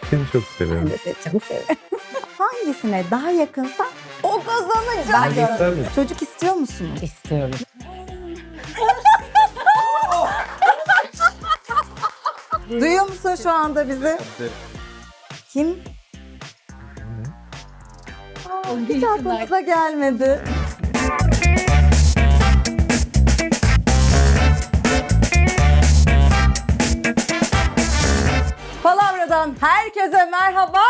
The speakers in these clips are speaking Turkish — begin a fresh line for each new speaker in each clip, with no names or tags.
Seni çok
Ben
seviyorum.
de seni çok severim. Hangisine daha yakınsan o kazanacak.
Hangisi mi?
Çocuk istiyor musunuz?
İstiyorum.
Duyuyor musun şu anda bizi? Kim? Hiç aklımıza gelmedi. Palavra'dan herkese merhaba.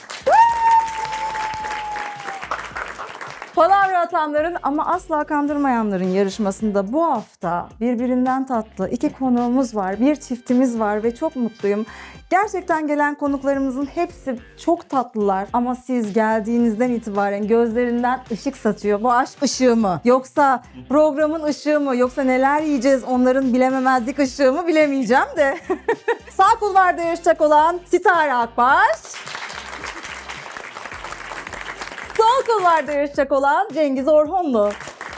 Palavra atanların ama asla kandırmayanların yarışmasında bu hafta birbirinden tatlı iki konuğumuz var, bir çiftimiz var ve çok mutluyum. Gerçekten gelen konuklarımızın hepsi çok tatlılar ama siz geldiğinizden itibaren gözlerinden ışık saçıyor. Bu aşk ışığı mı? Yoksa programın ışığı mı? Yoksa neler yiyeceğiz onların bilememezlik ışığı mı bilemeyeceğim de. Sağ kulvarda yarışacak olan Sitare Akbaş. Sol kulvarda yarışacak olan Cengiz Orhonlu.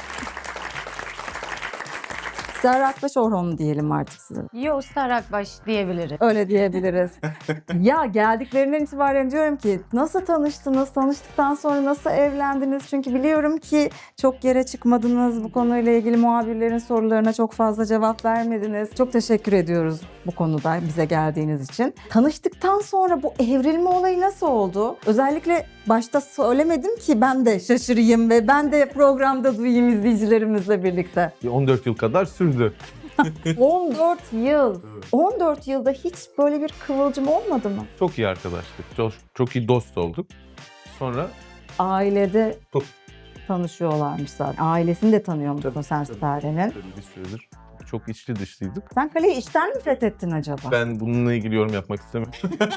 Sitare Akbaş Orhonlu diyelim artık size.
Yo, Star Akbaş diyebiliriz.
Öyle diyebiliriz. Ya geldiklerinden itibaren diyorum ki nasıl tanıştınız, tanıştıktan sonra nasıl evlendiniz? Çünkü biliyorum ki çok yere çıkmadınız. Bu konuyla ilgili muhabirlerin sorularına çok fazla cevap vermediniz. Çok teşekkür ediyoruz bu konuda bize geldiğiniz için. Tanıştıktan sonra bu evrilme olayı nasıl oldu? Özellikle başta söylemedim ki ben de şaşırayım ve ben de programda duyayım izleyicilerimizle birlikte.
14 yıl kadar sürdü.
14 yıl. 14 yılda hiç böyle bir kıvılcım olmadı mı?
Çok iyi arkadaştık. Çok iyi dost olduk. Sonra
Ailede
Çok.
tanışıyorlarmış zaten. Ailesini de tanıyormuş sen Sitare'nin.
tabii bir süredir çok içli dışlıydık.
Sen kaleyi içten mi fethettin acaba?
Ben bununla ilgili yorum yapmak istemiyorum.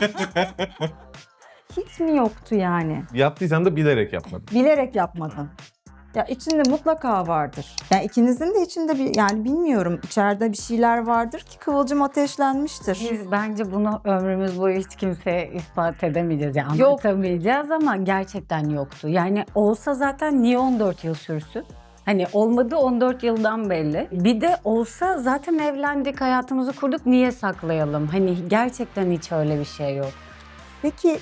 Hiç mi yoktu yani?
Yaptıysam da bilerek yapmadım.
Bilerek yapmadın. Ya içinde mutlaka vardır. Yani ikinizin de içinde bir yani bilmiyorum içeride bir şeyler vardır ki kıvılcım ateşlenmiştir.
Biz bence bunu ömrümüz boyu hiç kimseye ispat edemeyeceğiz. Yani
Yok.
anlatamayacağız ama gerçekten yoktu. Yani olsa zaten niye 14 yıl sürsün? Hani olmadı 14 yıldan belli. Bir de olsa zaten evlendik, hayatımızı kurduk. Niye saklayalım? Hani gerçekten hiç öyle bir şey yok.
Peki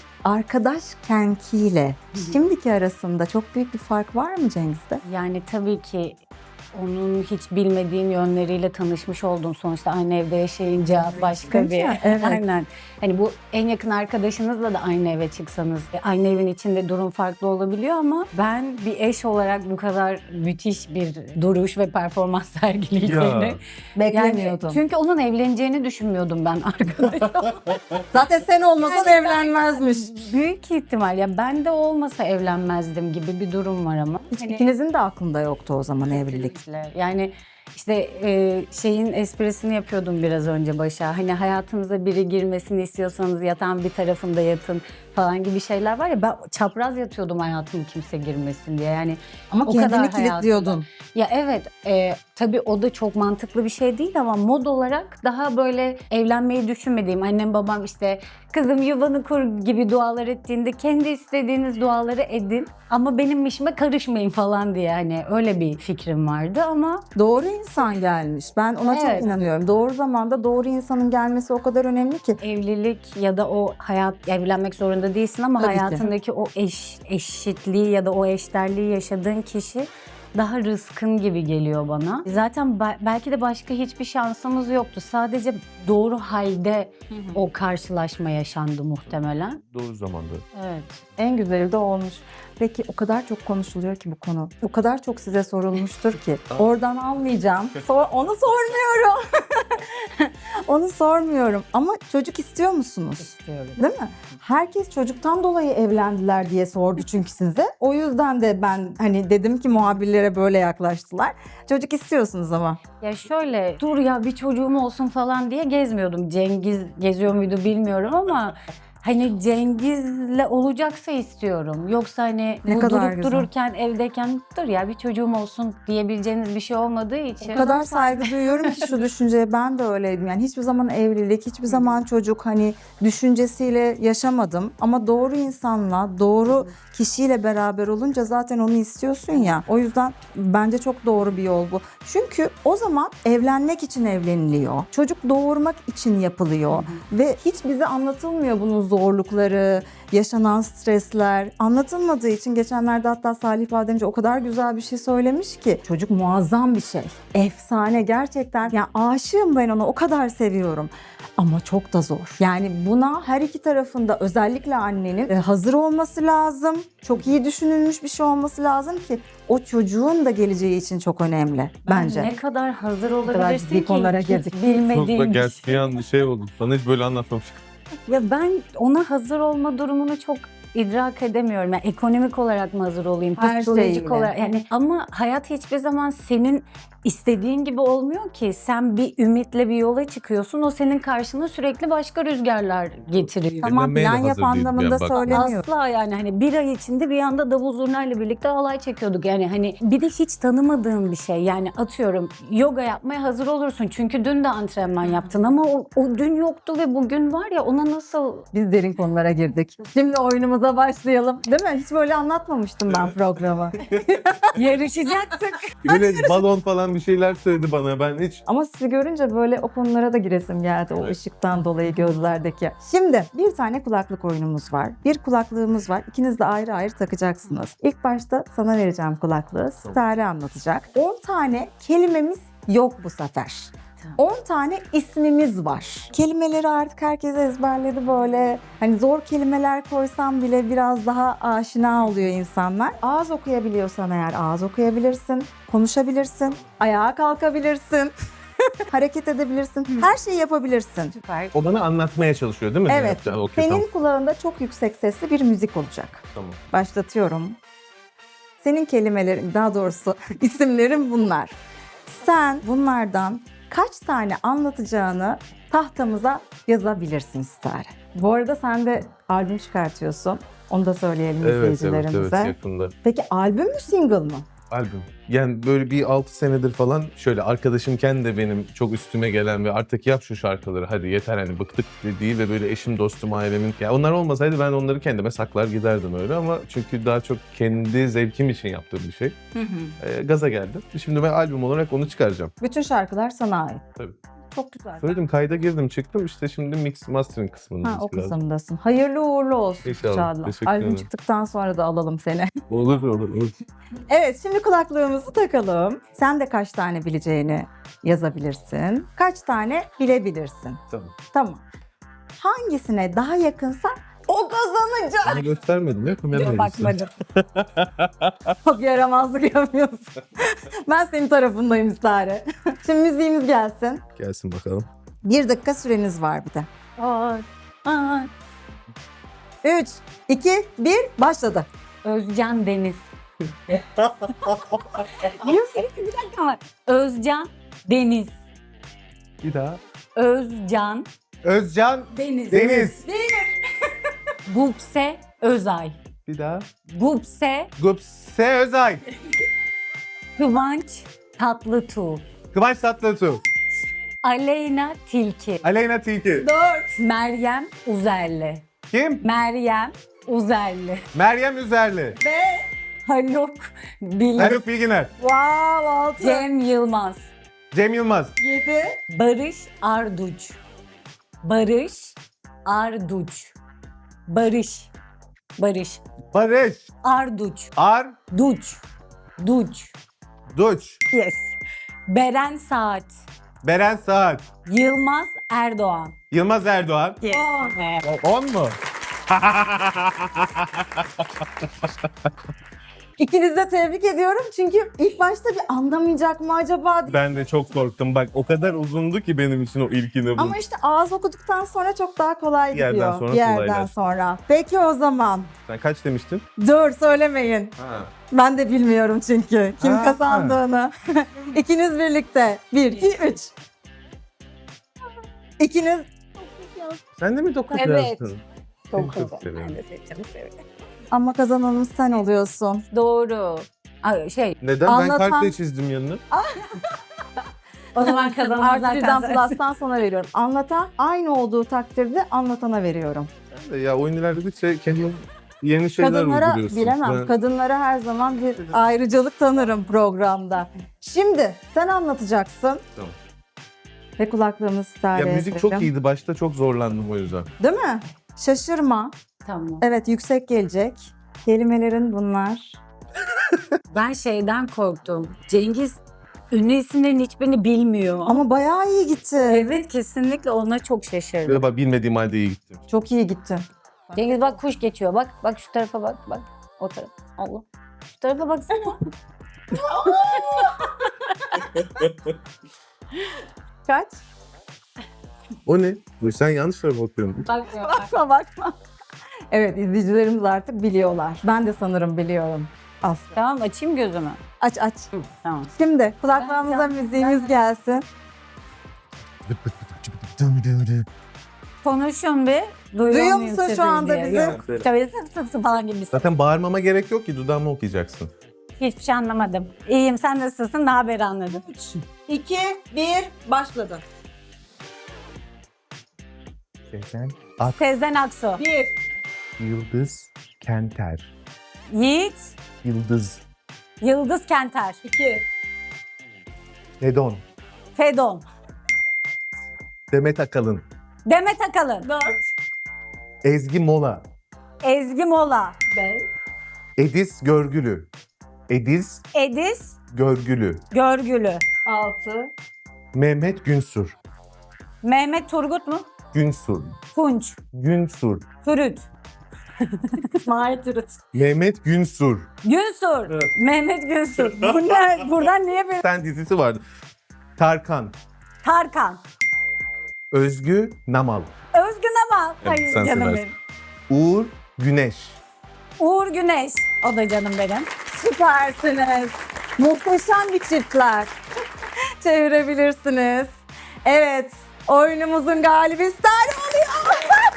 arkadaşkenkiyle şimdiki arasında çok büyük bir fark var mı Cengiz'de?
Yani tabii ki onun hiç bilmediğim yönleriyle tanışmış oldum. Sonuçta aynı evde yaşayınca başka bir...
Evet.
Aynen. Hani bu en yakın arkadaşınızla da aynı eve çıksanız aynı evin içinde durum farklı olabiliyor ama ben bir eş olarak bu kadar müthiş bir duruş ve performans sergileyeceğini...
Ya.
Beklemiyordum.
Çünkü onun evleneceğini düşünmüyordum ben arkadaşım.
Zaten sen olmasan evlenmezmiş.
Büyük ihtimal ya ben de olmasa evlenmezdim gibi bir durum var ama.
Hiç
Hani-
ikinizin de aklında yoktu o zaman evlilik.
Yani işte şeyin esprisini yapıyordum biraz önce başa. Hani hayatınıza biri girmesini istiyorsanız yatağın bir tarafında yatın falan gibi şeyler var ya. Ben çapraz yatıyordum hayatıma kimse girmesin diye. Yani
Ama
o
kendini
kadar
kilitliyordun.
ya evet, tabii o da çok mantıklı bir şey değil ama mod olarak daha böyle evlenmeyi düşünmediğim, annem babam işte kızım yuvanı kur gibi dualar ettiğinde kendi istediğiniz duaları edin ama benim işime karışmayın falan diye hani öyle bir fikrim vardı ama
Doğru insan gelmiş. Ben ona çok
Evet.
inanıyorum. Doğru zamanda doğru insanın gelmesi o kadar önemli ki.
evlilik ya da o hayat, evlenmek zorunda değilsin ama
Tabii ki.
hayatındaki o eşitliği ya da o eşderliği yaşadığın kişi daha rızkın gibi geliyor bana. Zaten belki de başka hiçbir şansımız yoktu. Sadece doğru halde o karşılaşma yaşandı muhtemelen.
Doğru zamanda.
Evet.
En güzeli de olmuş. Peki o kadar çok konuşuluyor ki bu konu. O kadar çok size sorulmuştur ki. Oradan almayacağım. Onu sormuyorum. Onu sormuyorum. Ama çocuk istiyor musunuz?
İstiyorum.
Değil mi? Herkes çocuktan dolayı evlendiler diye sordu çünkü size. O yüzden de ben hani dedim ki muhabirlere böyle yaklaştılar. Çocuk istiyorsunuz ama.
Ya şöyle dur ya bir çocuğum olsun falan diye gezmiyordum. Cengiz geziyor muydu bilmiyorum ama hani Cengiz'le olacaksa istiyorum. Yoksa hani
Ne
bu
kadar
durup
güzel.
dururken evdeyken dur ya bir çocuğum olsun diyebileceğiniz bir şey olmadığı için.
O kadar saygı duyuyorum ki şu düşünceye ben de öyleydim. Yani hiçbir zaman evlilik, hiçbir zaman çocuk hani düşüncesiyle yaşamadım. Ama doğru insanla, doğru kişiyle beraber olunca zaten onu istiyorsun ya. O yüzden bence çok doğru bir yol bu. Çünkü o zaman evlenmek için evleniliyor. Çocuk doğurmak için yapılıyor. Ve hiç bize anlatılmıyor bunun zorlukları, yaşanan stresler anlatılmadığı için geçenlerde hatta Salih Bademci o kadar güzel bir şey söylemiş ki çocuk muazzam bir şey. Efsane gerçekten. Yani aşığım ben ona, o kadar seviyorum. Ama çok da zor. Yani buna her iki tarafında özellikle annenin hazır olması lazım. Çok iyi düşünülmüş bir şey olması lazım ki o çocuğun da geleceği için çok önemli bence.
Ne kadar hazır
kadar
olabilirsin
ciddi
ki
konulara
hiç
girdik.
Çok
bilmediğin
gerçi bir an şey oldu. Bana hiç böyle anlatmamıştık.
Ya ben ona hazır olma durumunu çok idrak edemiyorum. Yani ekonomik olarak mı hazır olayım,
Her
psikolojik
şeyle.
olarak yani, ama hayat hiçbir zaman senin istediğin gibi olmuyor ki. Sen bir ümitle bir yola çıkıyorsun. O senin karşına sürekli başka rüzgarlar getiriyor.
Tamam,
Dinlemeye de
plan yap
hazır değilim
anlamında
yani, bak.
söylemiyorum.
Asla yani hani bir ay içinde bir anda davul zurnayla birlikte halay çekiyorduk. Yani hani bir de hiç tanımadığın bir şey. Yani atıyorum yoga yapmaya hazır olursun. Çünkü dün de antrenman yaptın ama o dün yoktu ve bugün var ya, ona nasıl...
Biz derin konulara girdik. Şimdi oyunumuza başlayalım. Değil mi? Hiç böyle anlatmamıştım ben programı.
Yarışacaktık.
Böyle balon falan bir şeyler söyledi bana. Ben hiç
Ama sizi görünce böyle o konulara da giresim geldi. O ışıktan dolayı gözlerdeki. Şimdi bir tane kulaklık oyunumuz var. Bir kulaklığımız var. İkiniz de ayrı ayrı takacaksınız. İlk başta sana vereceğim kulaklığı. Stare anlatacak. 10 tane kelimemiz yok bu sefer. 10 tane ismimiz var. Kelimeleri artık herkes ezberledi böyle. Hani zor kelimeler koysam bile biraz daha aşina oluyor insanlar. Ağız okuyabiliyorsan eğer ağız okuyabilirsin. Konuşabilirsin. Ayağa kalkabilirsin. Hareket edebilirsin. Her şeyi yapabilirsin.
Süper.
o bana anlatmaya çalışıyor değil mi?
Evet.
Yapacağı, okey,
Senin
tamam.
kulağında çok yüksek sesli bir müzik olacak.
Tamam.
Başlatıyorum. Senin kelimelerin, daha doğrusu isimlerin bunlar. Sen bunlardan kaç tane anlatacağını tahtamıza yazabilirsin Stare. Bu arada sen de albüm çıkartıyorsun. Onu da söyleyelim
Evet,
izleyicilerimize.
yakında.
Peki albüm mü, single mı?
Albüm. Yani böyle bir 6 senedir falan şöyle arkadaşımken de benim çok üstüme gelen ve artık yap şu şarkıları hadi yeter hani bıktık dediği ve böyle eşim, dostum, ailemin. Ya onlar olmasaydı ben onları kendime saklar giderdim öyle ama çünkü daha çok kendi zevkim için yaptığım bir şey. Gaza geldim. Şimdi ben albüm olarak onu çıkaracağım.
Bütün şarkılar sana ait.
Tabii.
Çok güzel.
Söyledim, kayda girdim çıktım işte şimdi mix mastering kısmındayız
Ha, o
biraz.
kısımdasın. Hayırlı uğurlu olsun
İnşallah,
Çağla.
teşekkür
Albüm
ederim.
çıktıktan sonra da alalım seni.
Olur.
Evet, şimdi kulaklığımızı takalım. Sen de kaç tane bileceğini yazabilirsin. Kaç tane bilebilirsin.
Tamam.
Tamam. Hangisine daha yakınsa o kazanacak.
Bana göstermedim ya kamera
Bakmadım.
Çok yaramazlık yapıyorsun. Ben senin tarafındayım Stare. Şimdi müziğimiz gelsin.
Gelsin bakalım.
1 dakika süreniz var bir de.
Aa,
3, 2, 1, başladı.
Özcan Deniz. Bir dakika var. Özcan Deniz.
Bir daha.
Özcan
Özcan
Deniz.
Deniz.
Gupse Özay.
Bir daha.
Gupse
Gupse Özay.
Kıvanç Tatlıtuğ.
Kıvanç Tatlıtuğ.
Aleyna Tilki.
Aleyna Tilki.
Meryem Uzerli.
Kim?
Meryem Uzerli.
Meryem Üzerli.
Haluk Bilginer.
Haluk Bilginer.
Wow, 6,
Cem Yılmaz.
Cem Yılmaz.
7,
Barış Arduç. Barış Arduç. Barış.
Barış.
Arduç.
Arduç.
Duç. Yes. Beren Saat.
Beren Saat.
Yılmaz Erdoğan.
Yılmaz Erdoğan.
Yes.
10 mu?
İkinizi de tebrik ediyorum çünkü ilk başta bir anlamayacak mı acaba diye.
Ben de çok korktum. Bak o kadar uzundu ki benim için o ilkini.
Ama işte ağız okuduktan sonra çok daha kolay
Bir yerden
gidiyor.
sonra
Bir yerden
kolaylaştı.
sonra. Peki o zaman.
Sen kaç demiştin?
Dur, söylemeyin.
Ha.
Ben de bilmiyorum çünkü kim
Ha.
kazandığını. İkiniz birlikte. 1, 2, 3. İkiniz
Sen de mi 9
Evet.
yazdın?
Çok
Çok
güzel.
severim.
Ben de seçeceğim, severim.
ama kazananımız sen oluyorsun.
Doğru. Ay,
Neden?
Anlatan-
Ben kalple çizdim yanını.
o zaman kazanan
Artı
zaten
birden
sensin.
plus'tan sana veriyorum. Anlatan aynı olduğu takdirde anlatana veriyorum.
Sen de ya oyun ilerledikçe kendin yeni şeyler
Kadınlara
uyduruyorsun.
bilemem.
Ben-
Kadınlara her zaman bir ayrıcalık tanırım programda. Şimdi sen anlatacaksın.
Tamam.
Ve kulaklığımız
Ya
Stare'ye
müzik çok
verelim.
iyiydi. Başta çok zorlandım o yüzden.
Değil mi? Şaşırma.
Tamam.
Evet, yüksek gelecek. Kelimelerin bunlar.
Ben şeyden korktum. Cengiz ünlü isimlerin hiçbirini bilmiyor.
Ama bayağı iyi gitti.
Evet, kesinlikle ona çok şaşırdım.
Ve bak bilmediğim halde iyi gittim.
Çok iyi gitti.
Cengiz bak kuş geçiyor. Bak şu tarafa bak. Bak o taraf. Allah. Şu tarafa baksana.
Kaç?
O ne? Sen yanlış tarafa bakıyorsun.
Bakma. Evet, izleyicilerimiz artık biliyorlar. Ben de sanırım biliyorum. Aslı.
Tamam, açayım gözümü.
Aç.
Tamam.
Şimdi kulaklarımıza müziğimiz gelsin.
Konuşun bir.
Duyuyor musun şu anda bizi?
Yok. Şöyle sık falan gibi.
Zaten bağırmama gerek yok ki, dudağımı okuyacaksın.
Hiçbir şey anlamadım. İyiyim, sen nasılsın? Ne haber anladım.
2, 1, başladı.
Sezen
Sezen Aksu.
1,
Yıldız Kenter.
Yiğit.
Yıldız.
Yıldız Kenter.
2,
Edon.
Fedon.
Demet Akalın.
Demet Akalın.
4,
Ezgi Mola.
Ezgi Mola.
5,
Ediz Görgülü. Ediz
Ediz
Görgülü.
Görgülü.
6,
Mehmet Günsur.
Mehmet Turgut mu?
Günsur.
Tunç.
Günsur.
Turut.
İsmail Turut.
Mehmet Günsur.
Günsur.
Evet.
Mehmet Günsur. Bu ne? Buradan niye bir...
Bir tane dizisi vardı. Tarkan.
Tarkan.
Özgü Namal.
Özgün ama.
Evet,
Hayır
sen
canım
seversin.
benim.
Uğur Güneş.
Uğur Güneş. O da canım benim.
Süpersiniz. Muhteşem bir çiftler. Çevirebilirsiniz. Evet, oyunumuzun galibi Sare oluyor.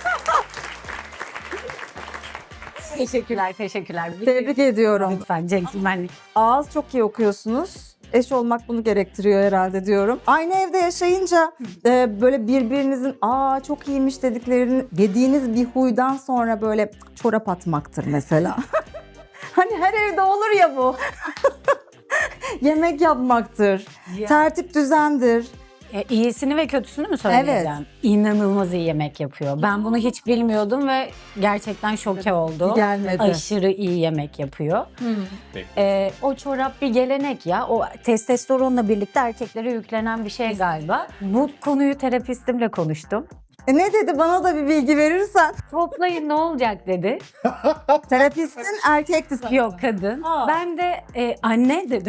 Teşekkürler.
Tebrik ediyorum.
Lütfen centilmenlik.
Ağız çok iyi okuyorsunuz. Eş olmak bunu gerektiriyor herhalde diyorum. Aynı evde yaşayınca böyle birbirinizin çok iyiymiş dediğiniz bir huydan sonra böyle çorap atmaktır mesela. Hani her evde olur ya bu. Yemek yapmaktır. Tertip düzendir.
İyisini ve kötüsünü mü söyleyeceğim?
Evet.
İnanılmaz iyi yemek yapıyor. Ben bunu hiç bilmiyordum ve gerçekten şoke oldum.
Gelmedi.
Aşırı iyi yemek yapıyor. O çorap bir gelenek ya. O testosteronla birlikte erkeklere yüklenen bir şey galiba. Bu konuyu terapistimle konuştum.
Ne dedi, bana da bir bilgi verirsen.
Toplayın ne olacak dedi.
Terapistin erkekti.
Yok kadın. Ben de anne dedim.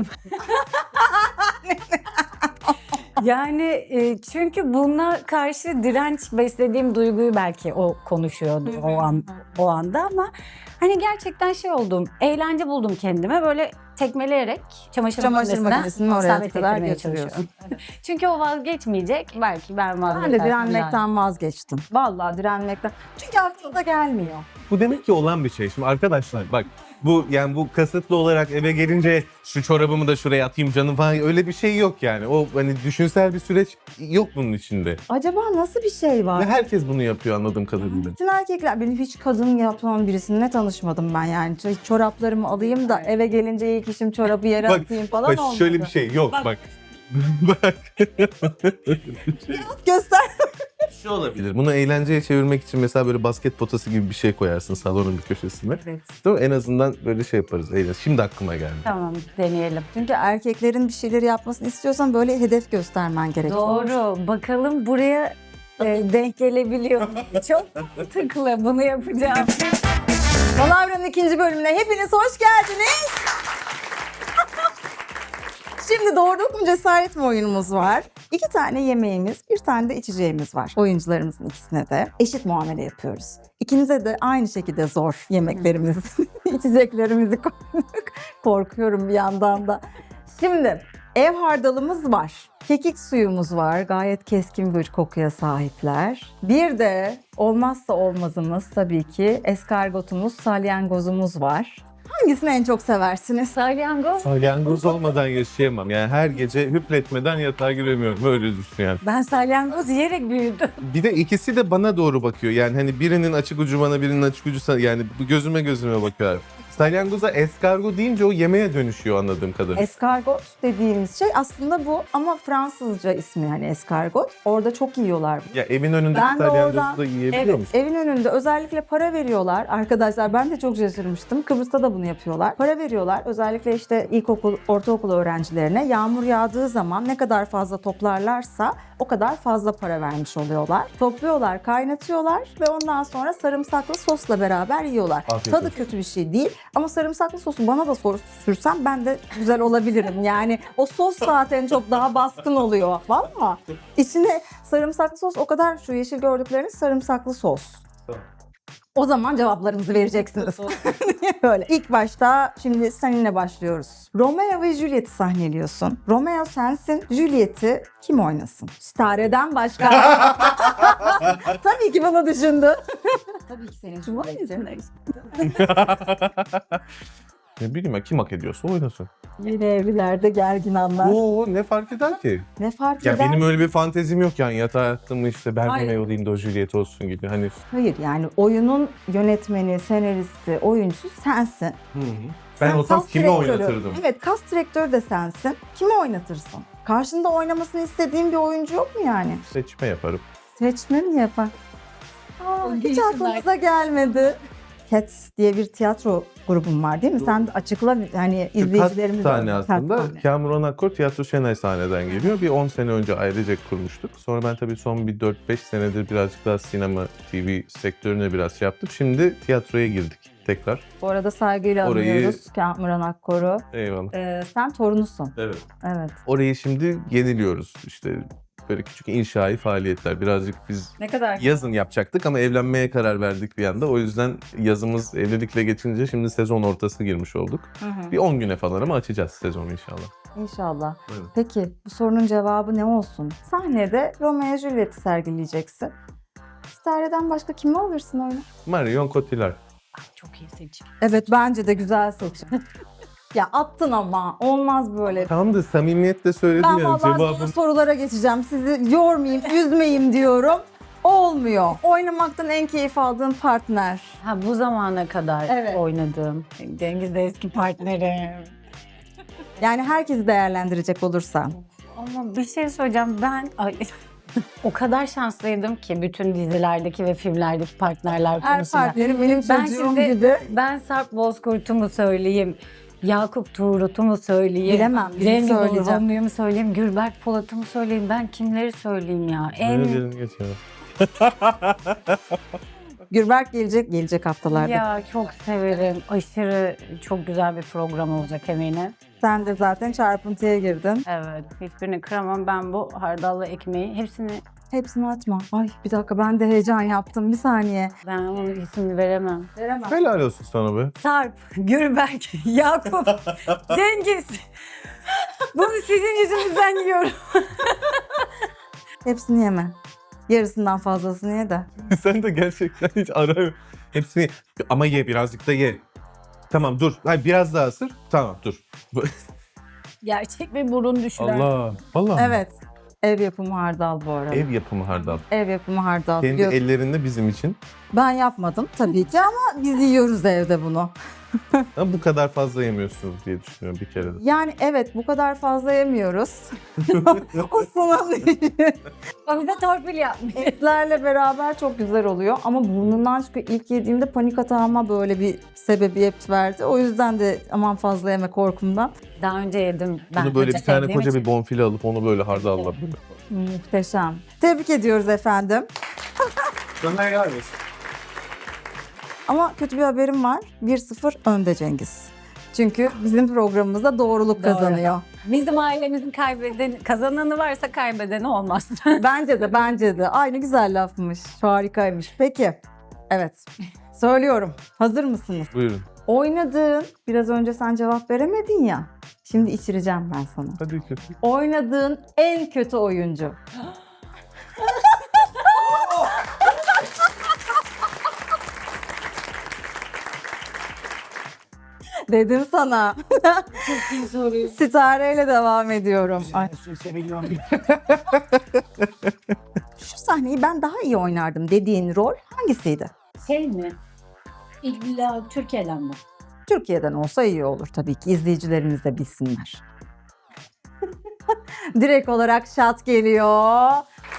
Yani çünkü buna karşı direnç beslediğim duyguyu belki o konuşuyordu o anda ama hani gerçekten şey oldum. Eğlence buldum kendime böyle tekmeleyerek çamaşır
makinesini oraya
isabet
kadar
ettirmeye
getiriyorsun.
çalışıyorum. Çünkü o vazgeçmeyecek. Belki ben
Ben
vazgeçersem.
de direnmekten vazgeçtim. Vallahi direnmekten. Çünkü aklımda gelmiyor.
Bu demek ki olan bir şey. Şimdi arkadaşlar bak, bu kasıtlı olarak eve gelince şu çorabımı da şuraya atayım canım falan, öyle bir şey yok yani. O hani düşünsel bir süreç yok bunun içinde.
Acaba nasıl bir şey var?
Ve herkes bunu yapıyor anladığım kadarıyla.
Bütün erkekler, benim hiç kadın yapan birisine tanışmadım ben yani. Çoraplarımı alayım da eve gelince ilk işim çorabı yere atayım falan
Bak
olmadı.
şöyle bir şey yok bak. Bak.
Göster.
Şu olabilir. Bunu eğlenceye çevirmek için mesela böyle basket potası gibi bir şey koyarsın salonun bir köşesine.
Evet.
Değil mi? En azından böyle şey yaparız. Eğleniriz. Şimdi aklıma geldi.
Tamam deneyelim.
Çünkü erkeklerin bir şeyleri yapmasını istiyorsan böyle hedef göstermen gerekiyor.
Doğru. Bakalım buraya denk gelebiliyor mu? Çok mantıklı. Bunu yapacağım.
Palavra'nın 2. bölümüne hepiniz hoş geldiniz. Şimdi doğruluk mu cesaret mi oyunumuz var. 2 tane yemeğimiz, 1 tane de içeceğimiz var. Oyuncularımızın ikisine de eşit muamele yapıyoruz. İkinize de aynı şekilde zor yemeklerimiz, içeceklerimizi koyduk. Korkuyorum bir yandan da. Şimdi ev hardalımız var. Kekik suyumuz var. Gayet keskin bir kokuya sahipler. Bir de olmazsa olmazımız tabii ki eskargotumuz, salyangozumuz var. Hangisini en çok seversiniz?
Salyangoz.
Salyangoz olmadan yaşayamam. Yani her gece hüpletmeden yatağa giremiyorum. Öyle düşün yani.
Ben salyangoz yiyerek büyüdüm.
Bir de ikisi de bana doğru bakıyor. Yani hani birinin açık ucu bana, birinin açık ucu sana. Yani gözüme bakıyor. Salyangoza eskargot deyince o yemeğe dönüşüyor anladığım kadarıyla.
Eskargot dediğimiz şey aslında bu ama Fransızca ismi hani eskargot. Orada çok yiyorlar bunu.
Ya evin önündeki
Ben de
salyangozu
oradan-
da yiyebiliyor
Evet,
musun?
evin önünde özellikle para veriyorlar. Arkadaşlar ben de çok şaşırmıştım. Kıbrıs'ta da bunu yapıyorlar. Para veriyorlar. Özellikle işte ilkokul, ortaokul öğrencilerine yağmur yağdığı zaman ne kadar fazla toplarlarsa o kadar fazla para vermiş oluyorlar. Topluyorlar, kaynatıyorlar ve ondan sonra sarımsaklı sosla beraber yiyorlar.
Afiyet
Tadı
olsun.
kötü bir şey değil ama sarımsaklı sosu bana da sürsem ben de güzel olabilirim. Yani o sos zaten çok daha baskın oluyor. Valla. İçine sarımsaklı sos o kadar şu yeşil gördükleriniz sarımsaklı sos.
Tamam.
O zaman cevaplarınızı vereceksiniz. Böyle. İlk başta şimdi seninle başlıyoruz. Romeo ve Juliet'i sahneliyorsun. Romeo sensin, Juliet'i kim oynasın? Stare'den başka. Tabii ki bunu düşündü. Tabii ki senin Juliet'in.
Ne bileyim ya, kim hak ediyorsa oynasın.
Yeni evlilerde gergin anlar.
Oo, ne fark eder ki?
Ne fark
Ya
eder?
benim öyle bir fantezim yok yani, yatağa yattım işte ben
Hayır.
Romeo olayım da o Juliet olsun gibi hani.
Hayır yani oyunun yönetmeni, senaristi, oyuncusu sensin.
Ben
Sen
olsam
kas
kimi
direktörü.
oynatırdım?
Evet, kas direktörü de sensin. Kimi oynatırsın? Karşında oynamasını istediğin bir oyuncu yok mu yani?
Seçme yaparım.
Seçme mi yapar? Hiç
Değilsin
aklımıza gelmedi. Cats diye bir tiyatro grubum var değil mi? Sen de açıkla hani izleyicilerimiz
Kaç tane aslında. Kamuran Akkor Tiyatro Şenay sahneden geliyor. Bir 10 sene önce ailecek kurmuştuk. Sonra ben tabii son bir 4-5 senedir birazcık daha sinema, TV sektörüne biraz şey yaptım. Şimdi tiyatroya girdik tekrar.
Bu arada saygıyla
Orayı-
anıyoruz Kamuran Akkor'u.
Eyvallah.
Sen torunusun.
Evet.
Evet.
Orayı şimdi yeniliyoruz. İşte böyle küçük inşai faaliyetler. Birazcık biz
Ne kadar?
yazın yapacaktık ama evlenmeye karar verdik bir anda. O yüzden yazımız evlilikle geçince şimdi sezon ortası girmiş olduk. Bir 10 güne falan ama açacağız sezonu inşallah.
İnşallah.
Buyurun.
Peki bu sorunun cevabı ne olsun? Sahnede Romeo Juliet'i sergileyeceksin. Stare'den başka kimi alırsın oyuna?
Marion Cotillard.
Çok iyi seçim.
Evet bence de güzel seçim. Ya attın ama olmaz böyle.
Tam da samimiyetle söyledim
Ben
yani
vallahi sonra
cevabım.
sorulara geçeceğim. Sizi yormayayım, üzmeyeyim diyorum. Olmuyor. Oynamaktan en keyif aldığın partner.
Ha, bu zamana kadar
Evet.
oynadığım. Cengiz de eski partnerim.
Yani herkesi değerlendirecek olursan.
Ama bir şey söyleyeceğim, o kadar şanslıydım ki bütün dizilerdeki ve filmlerdeki partnerler
Her
konusunda.
partnerim benim
Ben
çocuğum
şimdi-
gibi.
Ben Sarp Bozkurt'u mu söyleyeyim, Yakup Tuğrul'u mu söyleyeyim,
Bilemem, birini
Cengiz
söyleyeceğim.
Orhanlı'yı mu söyleyeyim, Gülberk Polat'ı mı söyleyeyim, ben kimleri söyleyeyim ya?
Öyle geçiyor.
Gürberk gelecek haftalarda.
Ya çok severim. Aşırı çok güzel bir program olacak eminim.
Sen de zaten çarpıntıya girdin.
Evet, hiçbirini kıramam. Ben bu hardallı ekmeği hepsini,
Hepsini atma. Ay bir dakika ben de heyecan yaptım. Bir saniye.
ben onun ismini veremem.
Veremem.
Helal olsun sana be.
Sarp, Gülberk, Yakup, Cengiz. Bunu sizin yüzünüzden yiyorum.
Hepsini yeme. Yarısından fazlasını ye de.
Sen de gerçekten hiç ara hepsini ama ye, birazcık da ye. Tamam dur. Hayır, biraz daha ısır. Tamam dur.
Gerçek bir burun düşüren.
Allah. Vallahi.
Evet. Ev yapımı hardal bu arada.
Ev yapımı hardal.
Ev yapımı hardal.
Kendi
Yok,
ellerinde bizim için.
ben yapmadım tabii ki ama biz yiyoruz evde bunu.
Ama bu kadar fazla yemiyorsunuz diye düşünüyorum bir kere de.
Yani evet bu kadar fazla yemiyoruz. O sunum
O bize torpil yapmış.
etlerle beraber çok güzel oluyor ama burnundan çıkıyor. İlk yediğimde panik atağıma böyle bir sebebiyet verdi. O yüzden de aman fazla yeme korkumdan.
Daha önce yedim. Ben
Bunu böyle bir tane
sevdiğim
koca
için.
bir bonfile alıp onu böyle hardalla.
Muhteşem. Tebrik ediyoruz efendim.
Sana helal olsun.
Ama kötü bir haberim var. 1-0 önde Cengiz. Çünkü bizim programımızda doğruluk
Doğru.
kazanıyor.
Bizim ailemizin kazananı varsa kaybedeni olmaz.
Bence de. Aynı güzel lafmış. Harikaymış. Peki. Evet. Söylüyorum. Hazır mısınız?
Buyurun.
Oynadığın, biraz önce sen cevap veremedin ya. Şimdi içireceğim ben sana.
Hadi kötü.
Oynadığın en kötü oyuncu. Dedim sana.
Çok iyi soruyu.
Sitareyle devam ediyorum. Ay, şu sahneyi ben daha iyi oynardım dediğin rol hangisiydi?
Şey mi? İlla Türkiye'den mi?
Türkiye'den olsa iyi olur tabii ki. İzleyicilerimiz de bilsinler. Direkt olarak şat geliyor.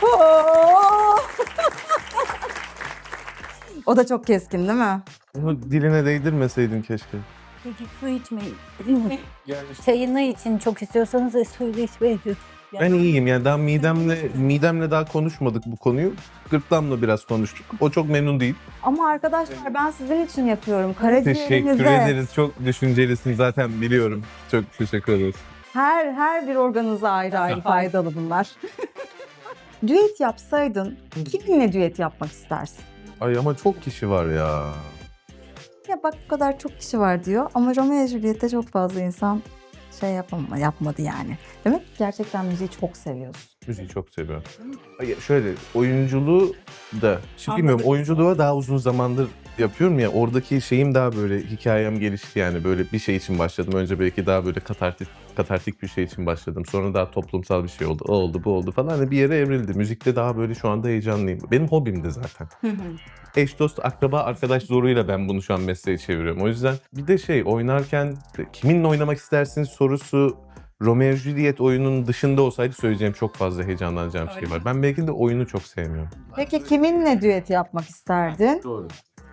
O da çok keskin değil mi?
Onu diline değdirmeseydin keşke.
Peki su içmeyin. Çayını için çok istiyorsanız suyla içmeyin.
Ben iyiyim yani daha midemle daha konuşmadık bu konuyu. Gırtlamla biraz konuştuk. O çok memnun değil.
Ama arkadaşlar ben sizin için yapıyorum.
Teşekkür
Karaciğerinize
ederiz. Çok düşüncelisin zaten biliyorum. Çok teşekkür ederiz.
her bir organınıza ayrı ayrı faydalı bunlar. Düet yapsaydın kiminle düet yapmak istersin?
Ay ama çok kişi var ya.
Ya bak bu kadar çok kişi var diyor ama Romeo ve Juliet'te çok fazla insan yapmadı yani. Demek ki gerçekten müziği çok seviyorsun.
Müziği çok seviyorum. Ay, şöyle oyunculuğu da, şimdi bilmiyorum
Anladım.
oyunculuğa daha uzun zamandır yapıyorum ya oradaki şeyim daha böyle hikayem gelişti yani böyle bir şey için başladım. Önce belki daha böyle katartik bir şey için başladım. Sonra daha toplumsal bir şey oldu. O oldu, bu oldu falan. Hani bir yere evrildi. Müzikte daha böyle şu anda heyecanlıyım. Benim hobimdi zaten. Eş, dost, akraba, arkadaş zoruyla ben bunu şu an mesleğe çeviriyorum. O yüzden bir de oynarken kiminle oynamak istersin sorusu Romeo Juliet oyunun dışında olsaydı söyleyeceğim çok fazla heyecanlanacağım şey var. Ben belki de oyunu çok sevmiyorum.
Peki kiminle düet yapmak isterdin?
Doğru.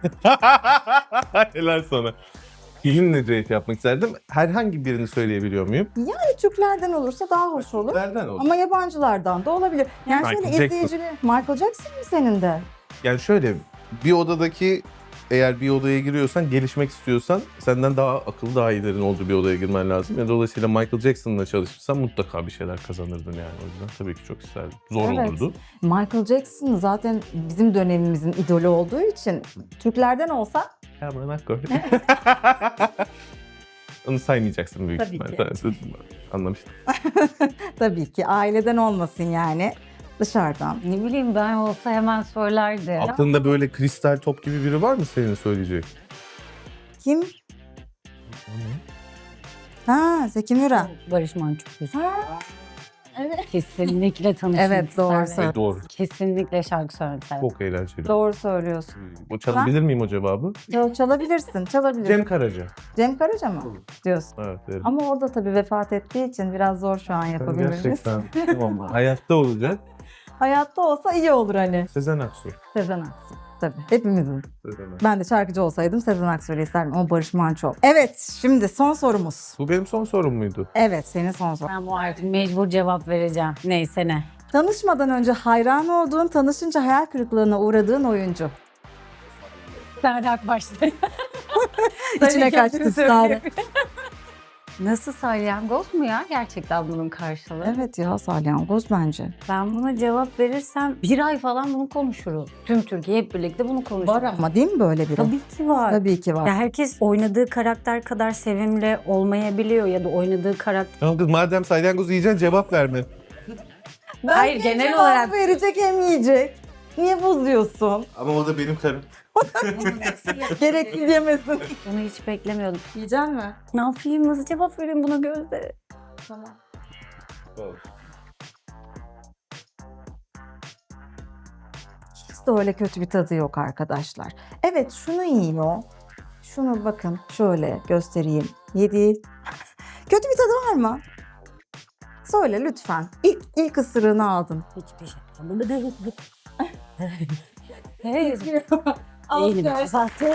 Helal sana. Kiminle düet yapmak isterdim? Herhangi birini söyleyebiliyor muyum?
Yani Türklerden olursa daha hoş olur.
Nereden oldu?
Ama yabancılardan da olabilir. Yani
Michael
şöyle
Jackson.
izleyicili... Michael Jackson mı senin de?
Yani şöyle bir odadaki eğer bir odaya giriyorsan gelişmek istiyorsan senden daha akıllı daha iyilerin olduğu bir odaya girmen lazım. Yani dolayısıyla Michael Jackson'la çalışırsan mutlaka bir şeyler kazanırdın yani o yüzden tabii ki çok isterdim. Zor
Evet.
olurdu.
Michael Jackson zaten bizim dönemimizin idolü olduğu için Türklerden olsa
Hemen akor. Onu saymayacaksın büyük
Tabii
ihtimalle. Anlamıştım.
tabii ki aileden olmasın yani dışarıdan.
Ne bileyim ben olsa hemen söylerdi.
Aklında böyle kristal top gibi biri var mı senin söyleyecek?
Kim? Ha, Zeki Müren.
Barış Manço güzel.
Evet.
Kesinlikle tanışmak
Evet, doğru
isterdim.
söylüyorsun.
Doğru.
Kesinlikle şarkı söylemek isterdim.
Çok eğlenceli.
Doğru söylüyorsun.
O çalabilir miyim o cevabı?
Çalabilirsin, çalabilirsin.
Cem Karaca.
Cem Karaca mı diyorsun?
Evet derim.
Ama o da tabii vefat ettiği için biraz zor şu an yapabiliriz.
Gerçekten. Tamam. Hayatta olacak.
Hayatta olsa iyi olur hani.
Sezen Aksu.
Sezen Aksu. Tabii hepimizin.
Sezen Aksu.
Ben de şarkıcı olsaydım Sezen Aksu'yu isterdim ama Barış Manço. Evet, şimdi son sorumuz.
Bu benim son sorum muydu?
Evet, senin son sorun.
Ben bu artık mecbur cevap vereceğim. Neyse ne.
Tanışmadan önce hayran olduğun, tanışınca hayal kırıklığına uğradığın oyuncu.
Sare Akbaş'ta.
İçine kaçtı Sare.
Nasıl salyangoz mu ya gerçekten bunun karşılığı?
Evet ya, salyangoz bence.
Ben buna cevap verirsem bir ay falan bunu konuşuruz. Tüm Türkiye hep birlikte bunu konuşuruz.
Var ama değil mi böyle biri?
Tabii ki var.
Tabii ki var.
Ya herkes oynadığı karakter kadar sevimli olmayabiliyor ya da oynadığı karakter...
Tamam kız madem salyangoz yiyeceksin cevap verme.
Hayır,
Hem
genel
cevap
olarak-
verecek hem yiyecek. Niye bozuyorsun?
Ama o da benim karım.
Gereksiz yemesin.
Bunu hiç beklemiyordum.
Yiyecek mi?
Ne yapayım? Nasıl cevap vereyim buna Gözde?
Tamam. Hiç de öyle kötü bir tadı yok arkadaşlar. Evet, şunu yiyor. Şunu bakın şöyle göstereyim. Yedi. Kötü bir tadı var mı? Söyle lütfen. İlk ısırığını aldın.
Hiçbir şey. Hey, Eğilimi kapattı.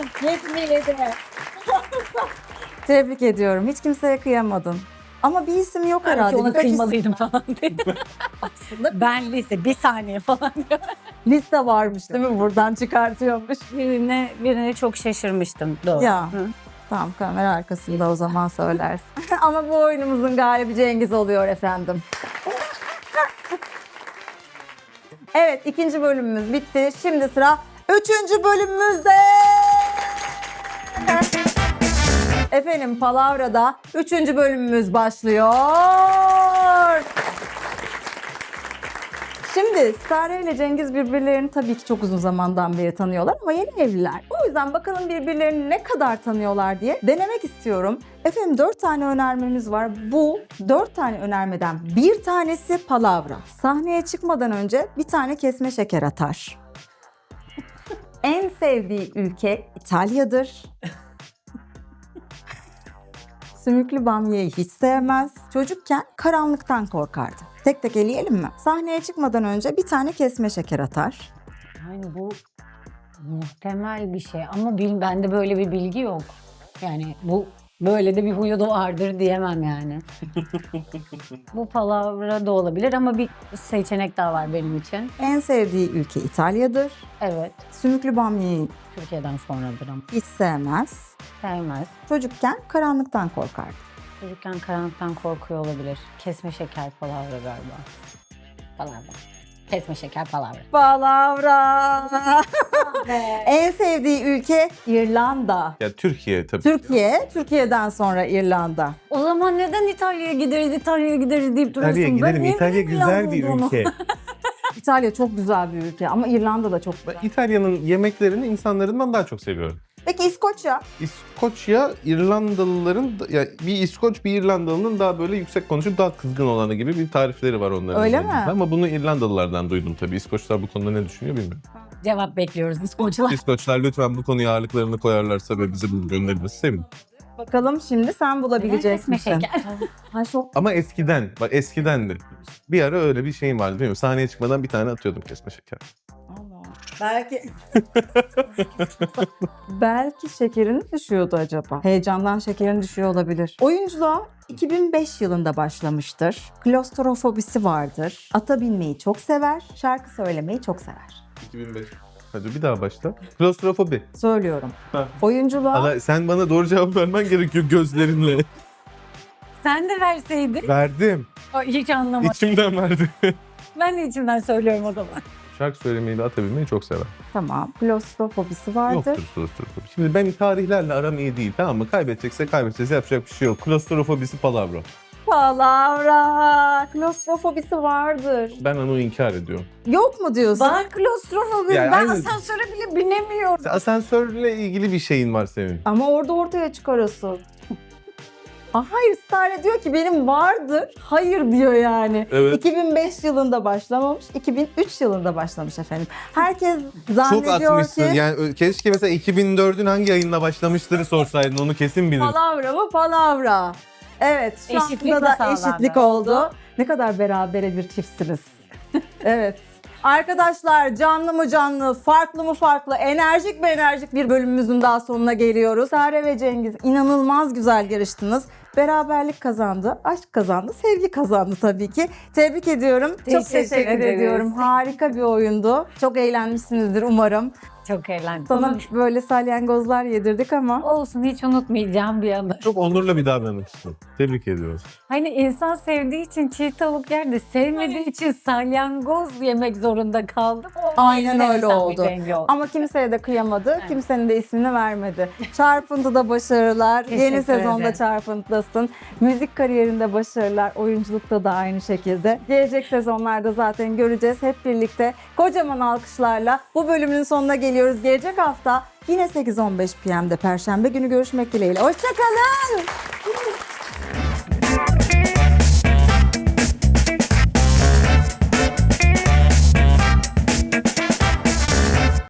Tebrik ediyorum. Hiç kimseye kıyamadın. Ama bir isim yok
Belki
herhalde.
ona
Birkaç isim-
kıymalıydım falan dedim. Aslında ben lise bir saniye falan diyor.
Liste varmış değil mi? Buradan çıkartıyormuş.
Birine çok şaşırmıştım. Doğru.
Ya.
Hı.
Tamam, kamera arkasında o zaman söylersin. Ama bu oyunumuzun galibi Cengiz oluyor efendim. Evet, ikinci bölümümüz bitti. Şimdi sıra üçüncü bölümümüzde. Efendim Palavra'da üçüncü bölümümüz başlıyor. Şimdi Sare ile Cengiz birbirlerini tabii ki çok uzun zamandan beri tanıyorlar ama yeni evliler. O yüzden bakalım birbirlerini ne kadar tanıyorlar diye denemek istiyorum. Efendim 4 tane önermemiz var. Bu 4 tane önermeden bir tanesi palavra. Sahneye çıkmadan önce bir tane kesme şeker atar. En sevdiği ülke İtalya'dır. Sümüklü bamyayı hiç sevmez. Çocukken karanlıktan korkardı. Tek tek eleyelim mi? Sahneye çıkmadan önce bir tane kesme şeker atar.
Yani bu muhtemel bir şey ama bende böyle bir bilgi yok. Yani bu böyle de bir huyu da vardır diyemem yani. Bu palavra da olabilir ama bir seçenek daha var benim için.
En sevdiği ülke İtalya'dır.
Evet,
Sümüklü bamyayı
Türkiye'den sonradır ama
hiç sevmez.
sevmez.
Çocukken karanlıktan korkardı.
Çocukken karanlıktan korkuyor olabilir. Kesme şeker palavra galiba. Palavra. Kesme şeker palavra.
Palavra. En sevdiği ülke İrlanda.
Ya Türkiye tabii.
Türkiye, Türkiye'den sonra İrlanda.
O zaman neden İtalya'ya gideriz deyip duruyorsun?
İtalya'ya gidelim.
Ben
İtalya
yemin
güzel bir
ediyorum
ülke.
İtalya çok güzel bir ülke ama İrlanda da çok
Ben
güzel.
İtalya'nın yemeklerini insanlarından daha çok seviyorum.
Peki İskoçya?
İskoçya, İrlandalıların, ya bir İskoç bir İrlandalı'nın daha böyle yüksek konuşup daha kızgın olanı gibi bir tarifleri var onların.
Öyle
üzerinde.
mi?
Ama bunu İrlandalılardan duydum tabii. İskoçlar bu konuda ne düşünüyor bilmiyorum.
Cevap bekliyoruz İskoçlar.
İskoçlar lütfen bu konuya ağırlıklarını koyarlarsa ve bize bunu gönderilmesi sevinirim.
Bakalım şimdi sen bulabilecek
Kesme
misin?
şeker.
Ay çok
Ama eskiden, bak eskidendi. Bir ara öyle bir şeyim vardı değil mi? Sahneye çıkmadan bir tane atıyordum kesme şeker.
belki belki şekerin düşüyordu acaba. Heyecandan şekerin düşüyor olabilir. Oyunculuğa 2005 yılında başlamıştır. Klostrofobisi vardır. Ata binmeyi çok sever. Şarkı söylemeyi çok sever.
2005. Hadi bir daha başla. Klostrofobi.
Söylüyorum.
Ha.
Oyunculuğa
Allah, sen bana doğru cevap vermen gerekiyor gözlerinle.
Sen de verseydin.
Verdim.
Ay, hiç anlamadım.
İçimden verdim.
Ben de içimden söylüyorum o zaman.
Şarkı söylemeyi de atabilmeyi çok sever.
tamam. Klostrofobisi vardır.
Yoktur klostrofobi. Şimdi ben tarihlerle aram iyi değil, tamam mı? Kaybedecekse kaybedeceğiz, yapacak bir şey yok. Klostrofobisi palavra.
Palavra. Klostrofobisi vardır.
Ben onu inkar ediyorum.
Yok mu diyorsun?
Var klostrofobi.
Yani
Ben
aynı-
asansöre bile binemiyorum.
Asansörle ilgili bir şeyin var senin.
Ama orada ortaya çıkarıyorsun. Hayır, Stare diyor ki benim vardır. Hayır diyor yani.
Evet.
2005 yılında başlamamış, 2003 yılında başlamış efendim. Herkes
Çok
zannediyor
atmışsın.
ki
Yani keşke mesela 2004'ün hangi ayında başlamıştırı sorsaydın, onu kesin bilirdin.
palavra mı palavra. Evet, şu
Eşitlik
anda da
de sağlandı.
eşitlik oldu. Ne kadar berabere bir çiftsiniz. Evet. Arkadaşlar canlı mı canlı, farklı mı farklı, enerjik mi enerjik bir bölümümüzün daha sonuna geliyoruz. Sare ve Cengiz inanılmaz güzel yarıştınız. Beraberlik kazandı, aşk kazandı, sevgi kazandı tabii ki. Tebrik ediyorum. Çok
Teşekkür
teşekkür
ederiz.
ediyorum. Harika bir oyundu. Çok eğlenmişsinizdir umarım.
Çok eğlendim.
Sana böyle salyangozlar yedirdik ama.
Olsun, hiç unutmayacağım bir anı.
Çok onurla bir davranıştın. Tebrik ediyoruz.
Hani insan sevdiği için çiğ tavuk yer de sevmediği için salyangoz yemek zorunda kaldım.
Aynen öyle
Enteresan bir
oldu.
denge oldu.
Ama kimseye de kıyamadı. Kimsenin de ismini vermedi. Çarpıntıda başarılar. Yeni
Teşekkür
sezonda
ederim.
Çarpıntıdasın. Müzik kariyerinde başarılar. Oyunculukta da aynı şekilde. Gelecek sezonlarda zaten göreceğiz hep birlikte. Kocaman alkışlarla bu bölümün sonuna geliyoruz. Gelecek hafta yine 8-15 PM'de Perşembe günü görüşmek dileğiyle. Hoşçakalın.